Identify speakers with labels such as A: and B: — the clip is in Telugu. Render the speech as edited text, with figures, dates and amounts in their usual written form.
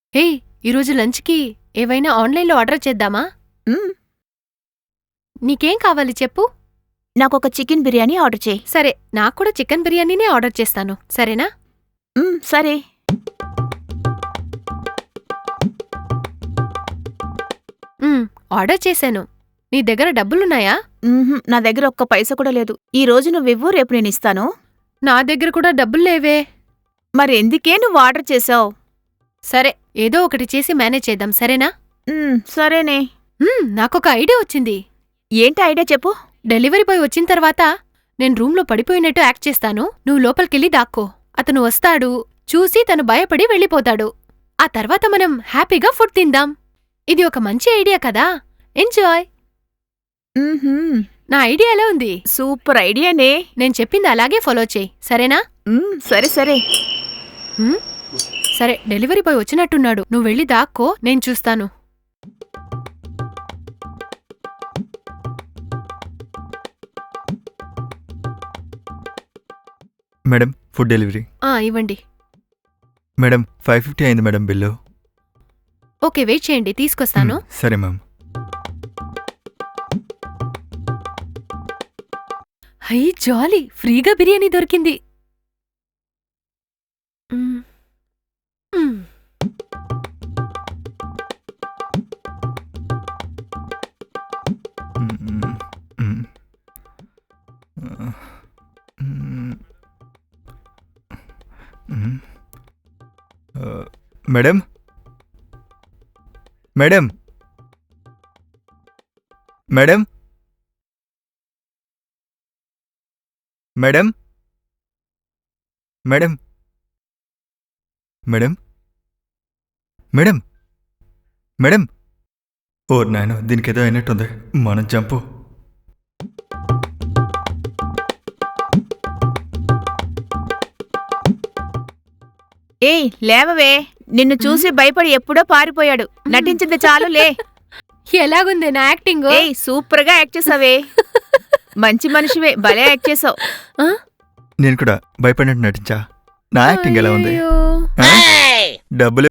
A: హే, ఈరోజు లంచ్కి ఏవైనా ఆన్లైన్లో ఆర్డర్ చేద్దామా?
B: మ్మ్,
A: నీకేం కావాలి చెప్పు.
B: నాకొక చికెన్ బిర్యానీ ఆర్డర్ చేయి.
A: సరే, నాక్కూడా చికెన్ బిర్యానీనే ఆర్డర్ చేస్తాను, సరేనా?
B: సరే.
A: ఆర్డర్ చేశాను. నీ దగ్గర డబ్బులున్నాయా?
B: నా దగ్గర ఒక్క పైసా కూడా లేదు. ఈ రోజు నువ్వివ్వు, రేపు నేనిస్తాను.
A: నా దగ్గర కూడా డబ్బుల్లేవే.
B: మరి ఎందుకే నువ్వు ఆర్డర్ చేసావు?
A: సరే, ఏదో ఒకటి చేసి మేనేజ్ చేద్దాం, సరేనా?
B: సరేనే.
A: నాకొక ఐడియా వచ్చింది.
B: ఏంటి ఐడియా చెప్పు.
A: డెలివరీ బాయ్ వచ్చిన తర్వాత నేను రూంలో పడిపోయినట్టు యాక్ట్ చేస్తాను. నువ్వు లోపలికెళ్ళి దాక్కో. అతను వస్తాడు, చూసి తను భయపడి వెళ్ళిపోతాడు. ఆ తర్వాత మనం హ్యాపీగా ఫుడ్ తిందాం. ఇది ఒక మంచి ఐడియా కదా. ఎంజాయ్. నా ఐడియా ఎలా ఉంది?
B: సూపర్ ఐడియానే.
A: నేను చెప్పింది అలాగే ఫాలో చేయి, సరేనా?
B: సరే సరే.
A: సరే, డెలివరీ బాయ్ వచ్చినట్టున్నాడు. నువ్వు వెళ్ళి దాక్కో, నేను చూస్తాను.
C: Madam, food delivery.
A: ఇవ్వండి.
C: మేడం, 550 అయింది మేడం బిల్లు.
A: ఓకే, వెయిట్ చేయండి, తీసుకొస్తాను.
C: సరే మ్యామ్.
A: హై జాలీ, ఫ్రీగా బిర్యానీ దొరికింది.
C: Madam, madam, madam, madam, madam, madam, madam, madam. ఓ నాయన, దీనికి ఏదో అయినట్టుంది. మనం జంపు.
B: ఏయ్ లేవవే. నిన్ను చూసి భయపడి ఎప్పుడో పారిపోయాడు. నటించింది చాలు, లే.
A: ఎలాగుంది నా యాక్టింగ్?
B: ఏయ్ సూపర్గా యాక్ట్ చేసావే. మంచి మనిషివే, భలే యాక్ట్ చేసావు.
C: నేను కూడా భయపడినట్టు నటించా. నా యాక్టింగ్ ఎలా ఉంది? డబ్బులు